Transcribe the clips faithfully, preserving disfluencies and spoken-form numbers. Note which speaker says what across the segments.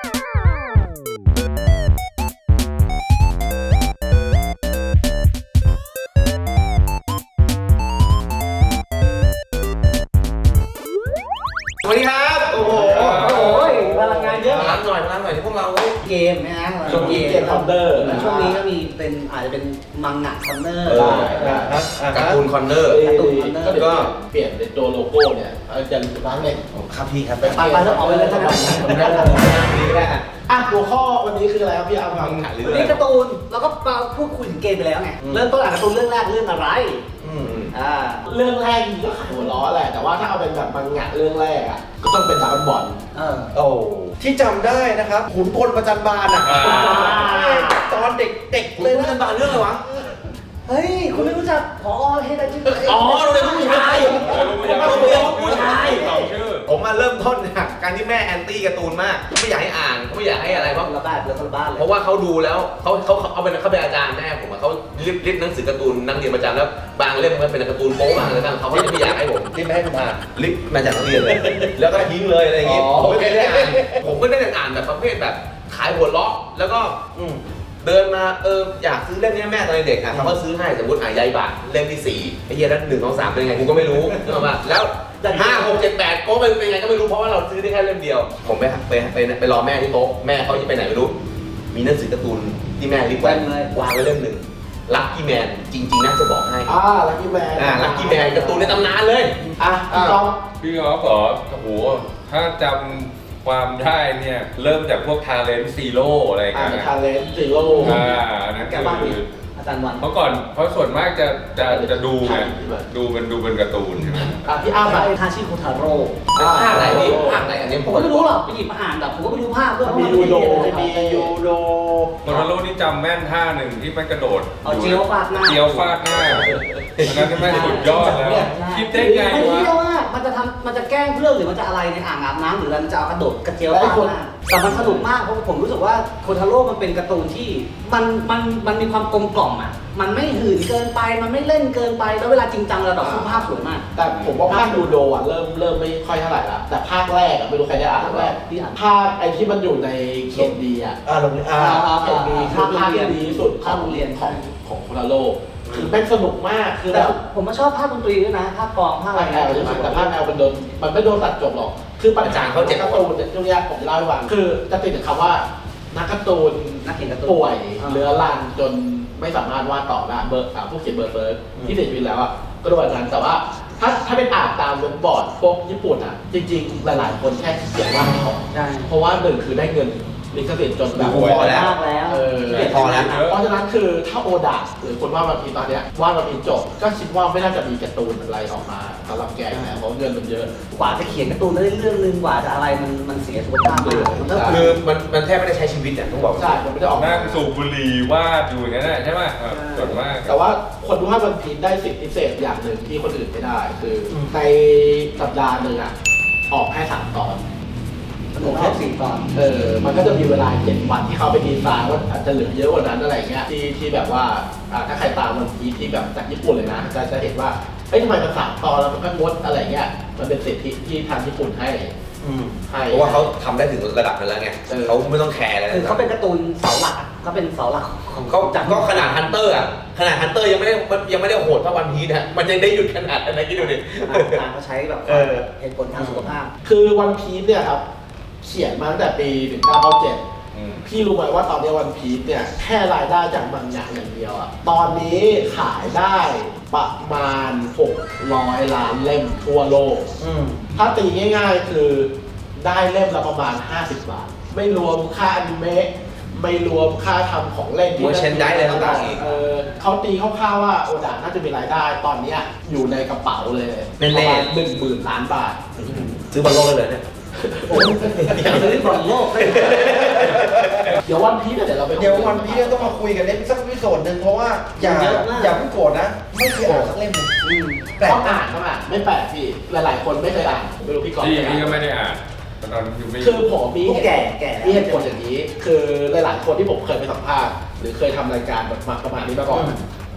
Speaker 1: สวัสดีครับโอ้โห
Speaker 2: โอ้ยพลังงานเยอะ
Speaker 1: พลังหน่อยพลังหน่อยที่พวกเรา
Speaker 2: เกมนะฮะ
Speaker 3: ช่วงนี้เกมคอมเดอร์
Speaker 2: ช่วงนี้ก็มีเป็นอาจจะเป็นมังงะคอมเนอร์
Speaker 1: การ์ตูนคอนเนอร์
Speaker 2: การ์ตูนคอนเนอร์
Speaker 3: ก็เปลี่ยนเป็นตัวโลโก้เนี่ยจะร้านเล็ก
Speaker 1: ครับพี่ครับ
Speaker 2: ไปไปแล้วออกไปเลยทั้งนั้น
Speaker 3: นี่ได้อ่ะหัวข้อวันนี้คืออะไรครับพี่อาร์ม
Speaker 2: วันนี้การ์ตูนแล้วก็มาพูดคุยถึงเกมไปแล้วไงเริ่มต้นอ่านการ์ตูนเรื่องแรกเรื่องอะไร
Speaker 3: อ่าเรื่องแรกก็ขายหัวล้อแหละแต่ว่าถ้าเอาเป็นแบบมังงะเรื่องแรกอ่ะก็ต้องเป็นดราก้อนบอล
Speaker 2: เออ
Speaker 1: โอ้ที่จำได้นะครับขุนพลประจันบานอ่ะตอนเด็กๆเลยประจันบานเรื่องอะไรวะ
Speaker 2: เฮ้ยคุณไม่รู้จักพอเฮดาจิ
Speaker 1: อ๋อโรงเรียนผู้ชายโรงเรียนผู้ชายผมมาเริ่มต้นจากการที่แม่แอนตี้การ์ตูนมากไม่อยากให้อ่านไม่อยากให้อะไรเพราะ
Speaker 2: ระบาดแล้วระบาดเลย
Speaker 1: เพราะว่าเขาดูแล้วเขาเขาเอาเป็นเขาเป็นอาจารย์แม่ผมเขาริบริบหนังสือการ์ตูนนักเรียนประจำแล้วบางเล่มมันเป็นการ์ตูนโป๊บางอะไรต่างเขาไม่อยากให้ผมริบไม่ให้ผมอ่านริบมาจากนักเรียนเลยแล้วก็ทิ้งเลยอะไรอย่างงี้ผมไม่ได้อ่านผมก็ได้อ่านแบบประเภทแบบขายหัวเราะแล้วก็เดินมาเอออยากซื้อเล่มนี้แม่ตอนเด็กอ่ะเขาก็ซื้อให้สมมติอ่ะยายบาทเล่มที่สี่ไอ้เหี้ยนั้นหนึ่งสองสามเป็นไงกูก็ไม่รู้นึกออกป่ะแล้วห้าหกเจ็ดแปดก็เป็นไงก็ไม่รู้เพราะว่าเราซื้อได้แค่เล่มเดียวผมไปไปไปไปรอแม่ที่โต๊ะแม่เขาจะไปไหนไม่รู้มีหนังสือการ์ตูนที่แม่รีบไว้วางไว้เล่มหนึ่งลัคกี้แมนจริงๆน่าจะบอกให้
Speaker 3: อ่าลัคกี้แมน
Speaker 1: อ่าลัคกี้แมนการ์ตูนในตำนานเลย
Speaker 3: อ่ะพี่ก๊อฟ
Speaker 4: พี่ก๊อฟเหรอโอ้โหถ้าจำความได้เนี่ยเริ่มจากพวกทาเลนต์ซีโร่อะไรกันนะ
Speaker 3: ทาเลนต์ซีโร่
Speaker 4: อ่านั่นคือ
Speaker 2: อาจารย์วัน
Speaker 4: เพราะก่อนเพราะส่วนมากจะจะจะดูไงดูเป็นดูเป็นการ์ตูนใช่ไหม
Speaker 3: อ่ะพี่อ้า
Speaker 2: ว
Speaker 3: ไป
Speaker 2: ทาชิโคทาโร่
Speaker 1: ภาคไหนดิภาคไหนอันนี้
Speaker 2: ผมก็ไม่รู้หรอกไปหยิบมาอ่านแบบผมก็ไม่รู้ภาคด้วย
Speaker 3: มียูโดมียูโด
Speaker 4: โคทาโร่นี่จำแม่นท่าหนึ่งที่มันกระโดด
Speaker 2: เอาเจียวฟาดหน้า
Speaker 4: เจียวฟาดหน้าอันนั้นแม่สุดยอดแล้วคิดได้ไงวะ
Speaker 2: ไม่รู้ว่ามันจะทำมันจะแกล้งเพื่อนหรือมันจะอะไรในอ่างอาบน้ำหรือมันจะเอากระโดดกระเจียวฟาดหน้าแต่มันสนุกมากเพราะผมรู้สึกว่าโคทาโร่มันเป็นการ์ตูนที่มันมันมันมีความกลมกล่อมอ่ะมันไม่หื่นเกินไปมันไม่เล่นเกินไปแล้วเวลาจริงจังเราแบบภาพสวยมาก
Speaker 3: แต่ผมว่าภาคยูโดอ่ะเริ่มเริ่มไม่ค่อยเท่าไหร่ละแต่ภาคแรกอ่ะไม่รู้ใครได้อ่านแรกภาคไอ้ที่มันอยู่ในเขียนดีอ่ะ
Speaker 1: อ่าโรงเรียนอ่า
Speaker 3: เขียนดีคือภาคที่ดีที่สุดของโรงเรียนของของโคทาโร่คือเป็นสนุกมากคือแบบ
Speaker 2: ผมมาชอบภาคดนตรีด้วยนะภาคกลองภาคอะไร
Speaker 3: แอลใช่ไหมแต่ภาคแอลมันโดนมันไม่โดนตัดจบหรอกคือปัญหาเขาเจ็บการ์ตูนเนี่ยช่วงนี้ผมจะเล่าให้ฟังคือจะติดกับคำว่านักการ์ตูน
Speaker 2: นักเขียนการ์ตูน
Speaker 3: ป่วยเรื้อรังจนไม่สามารถวาดต่อได้เบอร์ผู้เขียนเบอร์เฟิร์สที่เสียชีวิตแล้วอ่ะก็โดนนั้นแต่ว่าถ้าถ้าเป็นอ่านตามเว็บบอร์ดพวกญี่ปุ่นอ่ะจริงๆหลายๆคนแค่เขียนวาดไม่ออกเพราะว่าหนึ่งคือได้เงินลิขสิทธิ์จนแบบ
Speaker 1: พอแล้ว
Speaker 3: เออพอแล้วเพราะฉะนั้นคือถ้าโอดาหรือคนวาดวันพีตอนเนี้ยวาดวันพีจบก็คิดว่าไม่น่าจะมีการ์ตูนอะไรออกมาสำหรับแกแล้วเพราะเงินมันเยอะ
Speaker 2: กว่าจะเขียนการ์ตูนได้เรื่องนึงกว่าจะอะไรมันมันเสียสุขภาพเลย
Speaker 1: คือมันมันแทบไม่ได้ใช้ชีวิตอ่ะต้องบอก
Speaker 3: ใช่มันไม่ได้ออก
Speaker 4: นั่งสูบบุหรี่วาดอยู่อย่างนั้นใช่ไหมส่วนมาก
Speaker 3: แต่ว่าคนวาดวันพีได้สิ่งพิเศษอย่างหนึ่งที่คนอื่นไม่ได้คือในสัปดาห์หนึ่งอ่ะออกแค่สามตอน
Speaker 2: ผมแค่สี่ตอน
Speaker 3: เออมันก็จะมีเวลาเจ็ดวันที่เขาไปดีไซน์ว่าอาจจะเหลือเยอะกว่านั้นอะไรเงี้ยที่ที่แบบว่าถ้าใครตามมันพีที่แบบจากญี่ปุ่นเลยนะจะจะเห็นว่าเอ้ยทำไมมันสามตอนแล้วมันก็งดอะไรเงี้ยมันเป็นสิทธิที่ทางญี่ปุ่นให้
Speaker 1: ให้เพราะว่าเขาทำได้ถึงระดับนั้นแล้วไงเขาไม่ต้องแคร์อะไร
Speaker 2: คือเขาเป็นการ์ตูนเสาหลักเขาเป็นเสาหลัก
Speaker 1: ของเขาก็ขนาดฮันเตอร์อ่ะขนาดฮันเตอร์ยังไม่ได้ยังไม่ได้โหดเท่าวันพีนะมันยังได้หยุดขนาดนั้นคิดดูดิ
Speaker 2: เขาใช้แบบเหตุผลทางสุขภาพ
Speaker 3: คือวันพีเนี่ยครับเขียนมาตั้งแต่ปีหนึ่งเก้าเก้าเจ็ดพี่รู้ไหมว่าตอนนี้วันพีซเนี่ยแค่รายได้จากมังงะอย่างเดียวอะตอนนี้ขายได้ประมาณหกร้อยล้านเล่มทั่วโลกถ้าตีง่ายๆคือได้เล่มละประมาณห้าสิบบาทไม่รวมค่าอนิเมะไม่รวมค่าทำของเล่น
Speaker 1: ที่เชนได้เลยต่างๆอีก
Speaker 3: เขาตีคร่าวๆว่าโอดาน่าจะมีรายได้ตอนนี้อยู่ในกระเป๋าเลยประมาณหนึ่งหมื่นล้านบาท
Speaker 1: ซื้อบอลโลกได้เลยเนี่ย
Speaker 2: โอ้ยอยากซื้อบอลโลก
Speaker 3: เดี๋ยววันพีชเดี๋ยวเราไป
Speaker 1: เดี๋ยววันพีชต้องมาคุยกันเล่มสักวิโซนหนึ่งเพราะว่าอย่าอย่าเพิ่งโกรธนะไม่เคยอ่านสักเล่ม
Speaker 3: แปลกอ่านต้องอ่านไม่แปลกพี่หลายๆคนไม่เคยอ่านไม่รู้พี่ก๊อฟ
Speaker 4: พี่พี่ก็ไม่ได้อ่านตอนนั้นยังไม่
Speaker 3: คือผมมี
Speaker 2: แก่แก่
Speaker 3: มีเหตุผลอย่างนี้คือหลายๆคนที่ผมเคยไปสัมภาษณ์หรือเคยทำรายการแบบประมาณนี้มาก่อน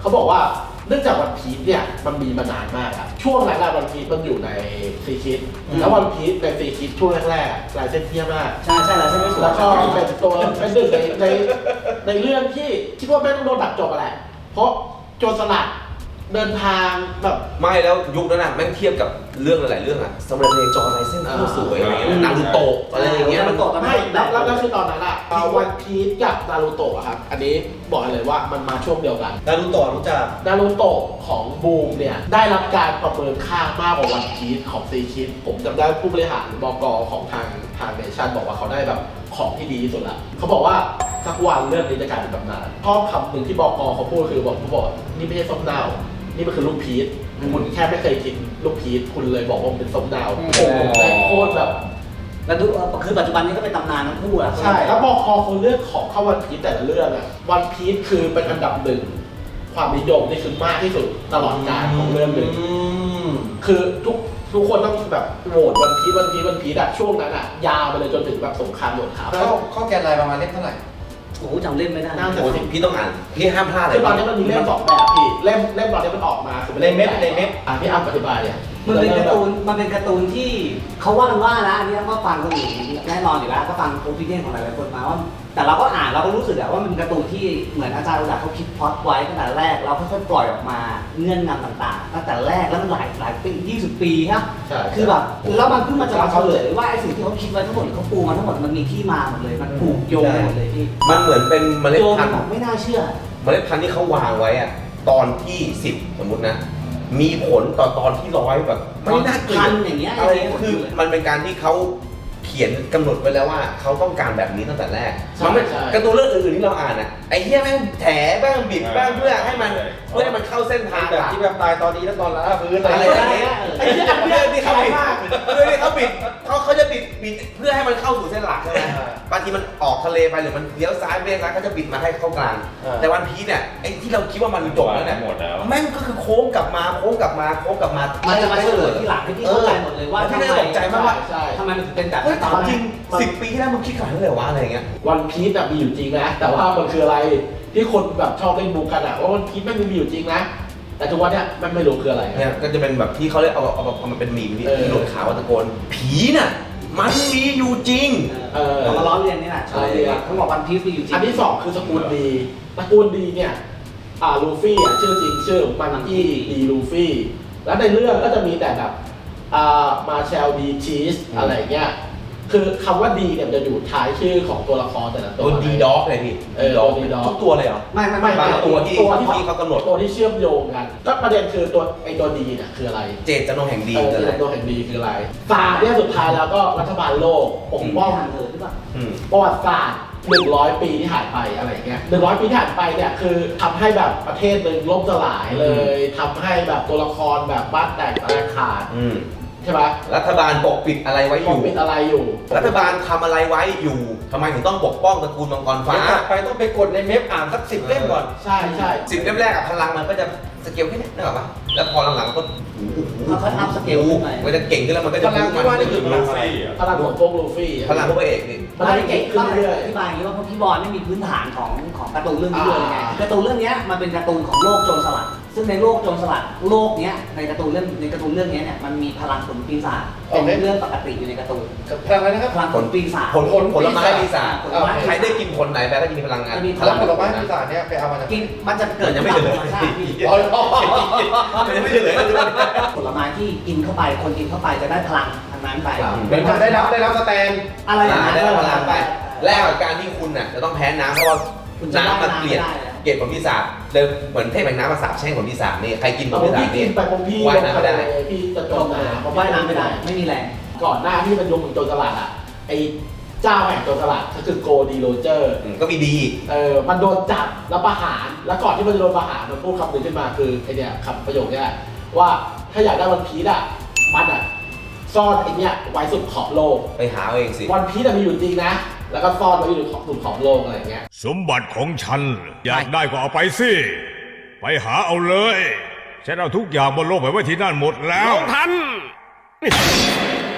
Speaker 3: เขาบอกว่าเนื่องจากวันพีซเนี่ยมันมีมานานมากครับช่วงแรกๆวันพีซมันอยู่ในซีคิดแล้ววันพีซในซีคิดช่วงแรกๆลายเส้นเที่ยมาก
Speaker 2: ใช่ใช่แล้วใช่ไหม
Speaker 3: แล้วก็เป็นตัวเป็นหนึ่งในในในเรื่องที่คิดว่าไม่ต้องโดนตัดจบอะไรเพราะโจรสลัดเดินทางแบบ
Speaker 1: ไม่แล้วยุคนั้นน่ะแม่งเทียบกับเรื่องหลายๆเรื่องอะสมัยเรียนจอลายเส้นโคตรสวยอะไรเงี้ยนารูโตะอะไรอย่างเงี้ยมัน
Speaker 3: ไม่แล้วแล้วแล้วคือตอนนั้นอะวันพีซกับนารูโตะครับอันนี้บอกเลยว่ามันมาช่วงเดียวกัน
Speaker 5: นารูโตะรู้จัก
Speaker 3: นารูโตะของบูมเนี่ยได้รับการประเมินค่ามากกว่าวันพีซของซีคิดผมจำได้ผู้บริหารบกของทางทางเนชั่นบอกว่าเขาได้แบบของที่ดีที่สุดละเขาบอกว่าสักวันเรื่องนี้จะกลายเป็นตำนานข้อคำหนึ่งที่บกเขาพูดคือบอกเขาบอกนี่ไม่ใช่ส้มดาวนี่มันคือลูกพีชคุณแค่ไม่เคยกินลูกพีชคุณเลยบอกว่ามันเป็นส้มดาวโอ้โหแม่งโคตรแบบ
Speaker 2: แล้วดูคือปัจจุบันนี้ก็เป็นตำนานทั้งคู่อะ
Speaker 3: ใช่แล้วบกเขาเลือกของเข้าวันพีชแต่ละเรื่องอะวันพีชคือเป็นอันดับหนึ่งความนิยมนี่คือมากที่สุดตลอดกาลของเรื่องหนึ่งคือทุกทุกคนต้องแบบโหวตวันพีชวันพีชวันพีชอะช่วงนั้นอะยาวไปเลยจนถึงแบบสงครามโดดขาว
Speaker 5: ข้อข้อแกนลายประมาณเล่มเท่าไหร่
Speaker 2: โอ้โหจำเล่นไม่ได้
Speaker 3: น่าจะ
Speaker 1: โอ้ยพี่ต้องอ่านพี่ห้ามพลาดเลย
Speaker 3: คือตอนนี้มันมีเล่มสองแบบพี่เล่มเล่มตอนนี้มันออกมาคือ
Speaker 5: ในเม็ดในเม็ด
Speaker 3: อ่ะพี่อ้ำอธิบายเนี่ย
Speaker 2: มันเป็นการ์ตูนมันเป็นการ์ตูนที่เขาว่ากันว่านะอันนี้ก็ฟังคนอื่นแน่นอนอยู่แล้วก็ฟังโอปิเนียนของหลายๆคนมาว่าแต่เราก็อ่านเราก็รู้สึกอะว่ามันเป็นการ์ตูนที่เหมือนอาจารย์อุดาเขาคิดพล็อตไว้ตั้งแต่แรกแล้วค่อยๆปล่อยออกมาเงื่อนงำต่างๆตั้งแต่แรกแล้วมันหลายหลายปียี่สิบปีครับ
Speaker 3: ใช่
Speaker 2: คือแบบแล้วมันเพิ่งมาจะมาเฉลยว่าไอ้สิ่งที่เขาคิดไว้ทั้งหมดเขาปูมาทั้งหมดมันมีที่มาหมดเลยมันผูกโยงกันหมดเลยพี่
Speaker 1: มันเหมือนเป็นเมล็ด
Speaker 2: โยง
Speaker 1: พั
Speaker 2: กัน น
Speaker 1: ธุ์
Speaker 2: แบบไม่น่าเชื่อ
Speaker 1: เมล็ดพันธุ์ที่เขาวางไว้อะตอนที่สิบสมมุตินะ มีผลต่อตอนที่ร้อยแบบไม่น่าเกลีย
Speaker 2: พั
Speaker 1: ด
Speaker 2: นอย่างเงี้ย
Speaker 1: อะไร
Speaker 2: อย่างเงี้ย
Speaker 1: คือมันเป็นการที่เขาเขียนกำหนดไว้แล้วว่าเขาต้องการแบบนี้ตั้งแต่แรกมันไม่การ์ตูนเรื่องอื่นๆที่เราอ่านอะไอ้เหี้ยแม่งแถบ้างบิดบ้างเพื่อให้มันเพื่อให้มันเข้าเส้นทาง
Speaker 5: แบบที่แบบตายตอนนี้แล้วตอนละพื้นอะ
Speaker 1: อะไร ไรอย่างเงี้ย
Speaker 3: ไอ้
Speaker 1: ไอ้
Speaker 3: ที่
Speaker 1: เหี้ย
Speaker 3: อัน
Speaker 1: เพื่
Speaker 3: เนี้
Speaker 1: อย ที่
Speaker 3: ที่
Speaker 1: เขา
Speaker 3: เขา
Speaker 1: บิด
Speaker 3: มาก
Speaker 1: เพื่อที่เขาบิดเขาเขาจะบิดบิดเพื่อให้มันเข้าสู่เส้นหลักใช่ไหมบางทีมันออกทะเลไปหรือมันเลี้ยวซ้ายเลี้ยวซ้ายเขาจะบิดมาให้เข้ากลางแต่วันพีซเนี่ยไอ้ที่เราคิดว่ามันจบแล้วเนี่ย
Speaker 4: หมดแล้ว
Speaker 1: แม่งก็คือโค้งกลับมาโค้งกลับมาโค้งกลับมา
Speaker 2: มันจะมาเฉลยที่หลังให้พี่เข้าใจหมดเลยว่า
Speaker 1: พี่
Speaker 2: ทำ
Speaker 1: ได้
Speaker 2: ไม
Speaker 1: ตกใจมากว่า
Speaker 3: ใช่
Speaker 2: ทำไมมันถึงเป็นแบบ
Speaker 1: เฮ้ย
Speaker 2: นั้น
Speaker 1: ถามจริงสิบปีที่แล้วมึงคิดขนาดนั้นเลยวะอะไรอย่างเงี้ย
Speaker 3: วันพีซอะมีอยู่จริงนะแต่ว่ามันคืออะไรที่คนแบบชอบเล่นบูกันอะว่าวันพีซแม่งมีอยู่จริงนะแต่ทุกวันเนี้ยมันไม่รู้คืออะไร
Speaker 1: เนี่ยก็จะเป็นแบบที่เขาเรียกเอาเอาเอามันเป็นมีมที่
Speaker 3: เออ
Speaker 1: ที่หลุดขาวตะโกนผีน่ะมันมีอยู่จริง
Speaker 3: เออ
Speaker 2: เอามาล้อเลียนนี่แหละ
Speaker 3: ใช่
Speaker 2: เขาบอกวันพีซมีอยู่จริง
Speaker 3: อันที่สองคือสกุลดีตระกูลดีเนี่ยอ่าลูฟี่อ่ะชื่อจริงชื่อมันอี้ดีลูฟี่แล้วในเรื่องก็จะมีแต่แบบอ่ามาแชลดีชีสอะไรเงี้ยคือคำว่าดีเนี่ยมันจะอยู่ท้ายชื่อของตัวละครแต่ละตั
Speaker 1: ตัว วดีด็อกเลยพี่
Speaker 3: เออ
Speaker 1: ด็อก
Speaker 3: ดีด็อก
Speaker 1: ทุกตัวเลยเหรอ
Speaker 2: ไม่ไม่
Speaker 3: ไม่
Speaker 2: ไม่
Speaker 1: บางตัวที่
Speaker 3: ตัวที่
Speaker 1: ที่เขากำหนด
Speaker 3: ตัวที่เชื่อมโยงกันก็ประเด็นคือตัวไอตัวดีเนี่ยคืออะไร
Speaker 1: เจตจำนงแห่งดี
Speaker 3: เออ
Speaker 1: คืออะไร
Speaker 3: ตัวแห่งดีคืออะไรศาสตร์เนี่ยสุดท้ายแล้วก็รัฐบาลโลกปกป้อง
Speaker 2: ทางเธอหรือเปล่า
Speaker 1: อืม
Speaker 3: ประวัติศาสตร์หนึ่งร้อยปีที่หายไปอะไรเงี้ยหนึ่งร้อยปีที่หายไปเนี่ยคือทำให้แบบประเทศหนึ่งล่มสลายเลยทำให้แบบตัวละครแบบบ้านแตกแตกขาด
Speaker 1: อืม
Speaker 3: ใช่ไหม
Speaker 1: รัฐบาลปกปิดอะไรไว้อ
Speaker 3: ปก
Speaker 1: ยู่
Speaker 3: ปิดอะไรอยู่
Speaker 1: รัฐบาลทำอะไรไว้อยู่ทำไมถึงต้องปกป้องตระกูลมังกรฟ้า
Speaker 5: เดี๋ยวกลับไปต้องไปกดในเมฟอ่านสักสิบเล่มก่อน
Speaker 3: ใช่ใช่
Speaker 1: สิบเล่มแรกอะพลังมันก็จะสเกลแค่นี้นึกออกปะแล้วพอหลังๆมันก็
Speaker 2: เขาเขาอัพสเกลขึ้นไป
Speaker 1: มันจะเก่งขึ้นแล้วมันก็
Speaker 5: พ
Speaker 1: จะ
Speaker 5: ลังที่ว่านี่คือพลังอะไร
Speaker 3: พลังของพวกลูฟี่อะ
Speaker 1: พลังพวกพระเอกนี่
Speaker 3: มัน
Speaker 2: ไม่
Speaker 3: จะ
Speaker 2: เก่
Speaker 3: เก่
Speaker 2: ง
Speaker 3: ง
Speaker 2: ขึ้
Speaker 3: ขึ้
Speaker 2: น
Speaker 3: น
Speaker 2: เรื่
Speaker 3: เรื่
Speaker 2: อ
Speaker 3: อย ย
Speaker 2: อธิบายอย่างนี้ว่าเพราะพี่บอลไม่มีพื้นฐานของของการ์ตูนเรื่องนี้เลยไงการ์ตูนเรื่องนี้มันเป็นการ์ตูนของโลกโจรสลัดซึ่งในโลกโจรสลัดโลกเนี้ยในการ์ตูนเรื่องในการ์ตูนเรื่องนี้เนี่ยมันมีพลังผลปีศาจเป็นเรื่องปกติอยู่ในการ์ตูน
Speaker 5: พลังอะไรนะครับ
Speaker 2: พลังผลปีศาจ
Speaker 1: ผลผลผลไม้ปีศาจ
Speaker 2: ผลไม้
Speaker 1: ใครได้กินผลไหนไปก็จะมีพลังงาน
Speaker 2: จะมี
Speaker 5: พลังผลไม้ปีศาจเนี่ยไปเอามาจาก
Speaker 2: กินมันจะเกิด
Speaker 1: มันยังไม่เฉลย
Speaker 2: ธรรมชาติพี่
Speaker 5: อ๋ออ๋อ
Speaker 1: มันยังไม่เฉลยกันด้วย
Speaker 2: ผลไม้ที่กินเข้าไปคนกินเข้าไปจะได้พลังทางนั้นไป
Speaker 5: เหมือนกับได้รับได้รับสแตน
Speaker 2: อะไรอย่างนั้น
Speaker 1: ได้พลังไปแลกกับการที่คุณน่ะจะต้องแพ้น้ำเพราะว่า
Speaker 2: คุณจะ
Speaker 1: น้ำมันเกลียด
Speaker 2: ได้น้ำไม่ได้
Speaker 1: เกลียดผลปีศาจเลยเหมือนเทพแห่งน้ำมาสาบแช่งผลปีศาจนี่ใครกินผ
Speaker 3: แต่
Speaker 1: ล
Speaker 3: ผ
Speaker 1: ปี
Speaker 3: ม
Speaker 1: ศา
Speaker 3: พี่
Speaker 1: จ
Speaker 3: กิ
Speaker 1: นี่
Speaker 3: นไปผมพี่
Speaker 1: ว่าย
Speaker 3: ลง
Speaker 1: น้ำไม่
Speaker 3: ทะ
Speaker 1: ได้
Speaker 3: เลพี่จะจ
Speaker 2: จ
Speaker 3: ม
Speaker 2: ม
Speaker 3: น้ำ
Speaker 2: เพราะว่ายน้ำไม่ได้ไม่มีแรง
Speaker 3: ก่อนหน้าที่มันยกมือโจรสลัดอ่ะไอ้เจ้าแห่งโจรสลัดก็คือโกดีโรเจอร์
Speaker 1: อืมก็มีดี
Speaker 3: เออมันโดนจับแล้วประหารแล้วก่อนที่มันจะโดนประหารมันพูดคำหนึ่งขึ้นมาคือไอเนี่ยคำประโยคเนี้ยว่าถ้าอยากได้วันพีซอ่ะมันอ่ะซ่อนไอเนี้ยไว้สุดขอบโลก
Speaker 1: ไปหาเอาเองสิ
Speaker 3: วันพีซอะมีอยู่จริงนะ แล้วก็ซ่อนไว้อยู่ขอบสุดขอบโลกอะไรอย่างเงี้ย
Speaker 6: สมบัติของฉัน อยากได้ก็เอาไปสิ ไปหาเอาเลย ฉันเอาทุกอย่างบนโลกไปไว้ที่นั่นหมดแล้ว
Speaker 7: ลงทัน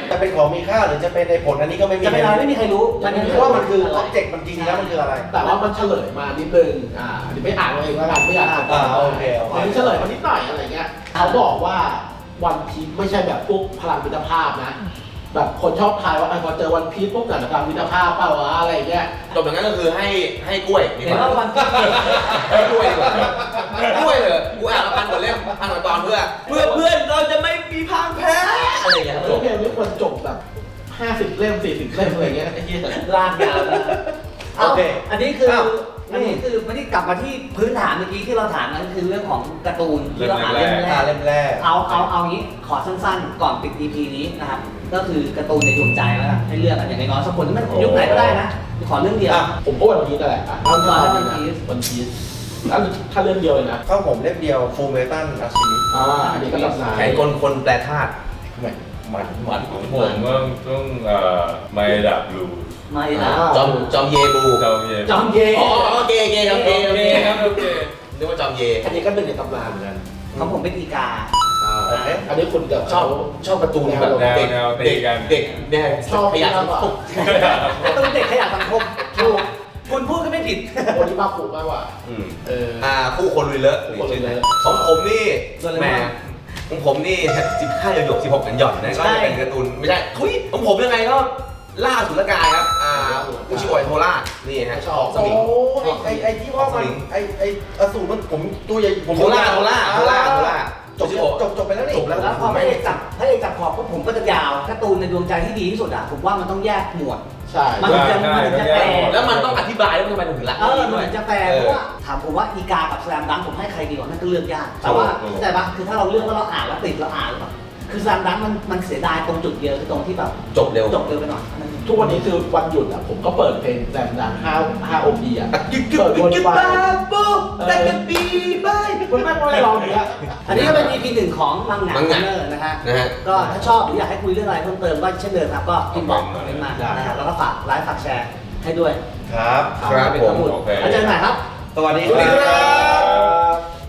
Speaker 5: จะเป็นของมีค่าหรือจะเป็นในผลอันนี้ก็ไม่มี
Speaker 2: จะเป็นอะไรไม่มีใครรู้มันยัง
Speaker 5: เพราะว่ามันคืออ็อบเจกต์มันจริงแล้วมันคืออะไร
Speaker 3: แต่ว่ามันเฉลยมานิดนึงอ่าอันนี้ไม่อ่านเองแล้วกันไม่อยากอ่าน
Speaker 5: อ่าโอเคโอเค
Speaker 3: อันนี้เฉลยมานิดหน่อยอะไรเงี้ยเขาบอกว่าวันพีชไม่ใช่แบบพวกพลังมิตรภาพนะ แบบคนชอบทายว่าพอเจอวันพีชพวกกันพลังมิตรภาพเปล่าวะอะไรเงี้ย
Speaker 1: จบอย่างนั้นก็คือให้ให้กล้วยดีก
Speaker 2: เห็น
Speaker 1: ว่า
Speaker 2: ว่าวันพีช
Speaker 1: ให้กล้วยดีกว่ากล้วยเลยกูอ่านมาพันกว่าเล่มพันกว่าตอนเพื่อเพื่อเพื่อนเราจะไม่มีพังแพ้อะไรอย่างเงี้ย
Speaker 3: เออเพลงนี้ควรจบแบบห้าสิบเล่มสี่สิบเล่มอะไรเงี้ยไอ้เหี้ย
Speaker 2: ลากยาวนะ
Speaker 5: โอเค
Speaker 2: อันนี้คือ
Speaker 5: อ้าว
Speaker 2: อันนี้คือไม่ได้กลับมาที่พื้นฐานเมื่อกี้ที่เราถามนั่นคือเรื่องของการ์ตูนที่เราอ่านเล่มแร
Speaker 5: อ่าก เล่มแรก
Speaker 2: เอาเอาเอางี้ขอสั้นๆ ก่อนปิด อี พี นี้นะครับ ก็คือการ์ตูนในดวงใจแล้วกันให้เลือกกันอย่างน้อยๆสักคนที่มันยุคไหนก็ได้นะ ขอเรื่องเดียว
Speaker 3: อ่ะผมก็วันพีชนั่นแหละอ่ะ
Speaker 2: เอาก่อนแล้ววันพีช
Speaker 3: วันพีชแล้วถ้าเรื่องเดียวเลยนะ
Speaker 5: เข้าผมเล่มเดียวฟูเมตันอาชิมิ
Speaker 3: อ่าอันนี้ก็ตำนาน
Speaker 1: แข่งคนคนแปลธาตุ
Speaker 5: มันมัน
Speaker 4: ของผมก็ต้องเอ่อไมดับลู
Speaker 2: ไม่นะ
Speaker 1: จอมจอมเยบู
Speaker 4: เจ้าเย็น
Speaker 2: จอมเย
Speaker 1: อ๋อโอเคโอเคโอเคโอเค
Speaker 4: ครับโอเค
Speaker 1: นึกว่าจอมเย
Speaker 3: อันนี้ก็หนึ่งในตำนานเหมือนกัน
Speaker 2: ของผมเป็นอีกา
Speaker 3: อ่าอันนี้คุณกับ
Speaker 1: ชอบชอบการ์ตูนแบบเด็กเด็กเด็กเนี่ย
Speaker 3: ชอบ
Speaker 1: ขยะสังคม
Speaker 2: การ์ตูนเด็กขยะสังคมถูกคุณพูดก็ไม่ผิด
Speaker 3: โอนิมาคุมากกว่า
Speaker 1: อืม
Speaker 3: เออ
Speaker 1: อ่าคู่คนลุยเลอะ
Speaker 3: คู่คนลุยเลอะ
Speaker 1: ของผมนี่
Speaker 2: โดเรมอน
Speaker 1: แหมของผมนี่สิบห้าหยกสิบหกกันหย่อนนะก็จะเป็นการ์ตูนไม่ใช่ทุยของผมยังไงก็ล่าสุรกายครับอ่าอุชิโอยโทล่านี่ฮะ
Speaker 3: ชอบ
Speaker 1: ส
Speaker 5: โอ้
Speaker 1: มิง
Speaker 5: ยไอไอที่ว่ามันไอไออสูรมันผมตัวใหญ่ผม
Speaker 1: โทล่าโทล่าโทล่าโทล่า
Speaker 5: จบจบจบไปแล้วนี่
Speaker 1: จบแล้ว
Speaker 2: แล้วพอพระเอกจับพระเอกจับขอบก็ผมก็จะยาวการ์ตูนในดวงใจที่ดีที่สุดอ่ะผมว่ามันต้องแยกหมวด
Speaker 3: ใช่
Speaker 2: มันถึงจะมันถึงจะแปล
Speaker 1: แล้วมันต้องอธิบายว่าทำไมถึงรัก
Speaker 2: เออ
Speaker 1: ด้
Speaker 2: มั
Speaker 1: วย
Speaker 2: นจะแปลเพราะว่าถามผมว่าอีกากับแสลมดังผมให้ใครดีกว่านั่นก็เลือกยากแต่ว่าเข้าใจปะคือถ้าเราเลือกว่าเราอ่านแล้วติดเราอ่านหรือเปล่าคือแสลมดังมันมันเสียดายตรงจุดเดียวคือตรงที่แบบ
Speaker 1: จบเร็ว
Speaker 2: จบเร็วไปหน่อย
Speaker 3: ทุกวันนี้คือวันหยุดอ่ะผมก็เปิดเพลงแซมดังห้าห้าโอพีอ่ะ
Speaker 1: กึกกึกกึกกึกบ้าปุ๊บแต่กันปีบาย
Speaker 3: คุณแม่ไม่ได้ร้องเนี้ย
Speaker 2: อันนี้ก็เป็น อี พี หนึ่งของมังงะ
Speaker 1: มังงะ
Speaker 2: เนอร์นะฮะ
Speaker 1: นะฮะ
Speaker 2: ก็ถ้าชอบหรืออยากให้คุยเรื่องอะไรเพิ่มเติมก็เช่นเดิมครับก็พิมพ์บอกคอมเมนต์มานะฮะแล้วก็ฝากไลฟ์ฝากแชร์ให้ด้วย
Speaker 5: ครับ
Speaker 1: ครับ
Speaker 2: เป็น
Speaker 1: ผ
Speaker 2: ข้อ
Speaker 1: ม
Speaker 2: มูล
Speaker 4: โอเค
Speaker 2: แล้วเจอกันใหม่ครับ
Speaker 5: สวัสดี
Speaker 1: สวัสดีครับ